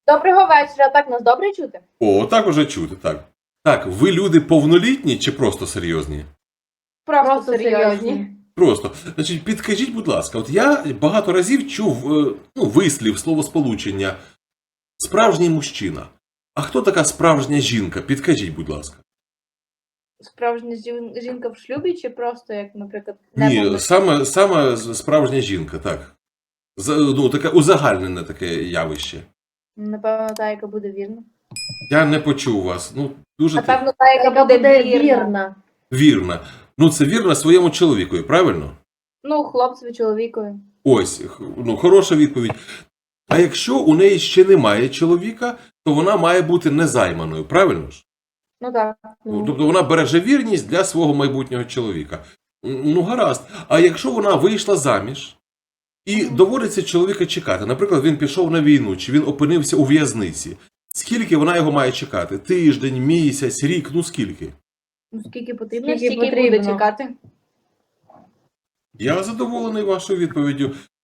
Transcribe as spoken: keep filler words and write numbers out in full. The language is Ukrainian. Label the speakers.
Speaker 1: Доброго вечора. Так, нас добре чути?
Speaker 2: О, так уже чути, так. Так, ви люди повнолітні чи просто серйозні?
Speaker 1: Просто,
Speaker 3: Просто серйозні.
Speaker 2: Просто. Значить, підкажіть, будь ласка, от я багато разів чув е, ну, вислів, словосполучення «справжній мужчина». А хто така справжня жінка? Підкажіть, будь ласка.
Speaker 1: Справжня жін- жінка в шлюбі чи просто, як, наприклад,
Speaker 2: Ні,
Speaker 1: неповнолітня?
Speaker 2: саме, саме справжня жінка, так. За- Ну, таке узагальнене таке явище.
Speaker 1: Напевно, та, яка буде вірна.
Speaker 2: Я не почув вас. Ну, дуже ти-
Speaker 1: Напевно, та, яка,
Speaker 3: Яка
Speaker 1: буде,
Speaker 3: буде
Speaker 1: вірна.
Speaker 3: вірна.
Speaker 2: вірна. Ну, це вірна своєму чоловікові, правильно?
Speaker 1: Ну, хлопцеві, чоловікові.
Speaker 2: Ось, х- ну, хороша відповідь. А якщо у неї ще немає чоловіка, то вона має бути незайманою, правильно ж?
Speaker 1: Ну так.
Speaker 2: Ну, тобто вона береже вірність для свого майбутнього чоловіка. М, Ну, гаразд. А якщо вона вийшла заміж і доводиться чоловіка чекати, наприклад, він пішов на війну, чи він опинився у в'язниці, скільки вона його має чекати? Тиждень, місяць, рік, ну скільки?
Speaker 1: Ну, скільки потрібно,
Speaker 3: Скільки
Speaker 1: стільки
Speaker 3: потрібно.
Speaker 1: буде чекати.
Speaker 2: Я задоволений вашою відповіддю.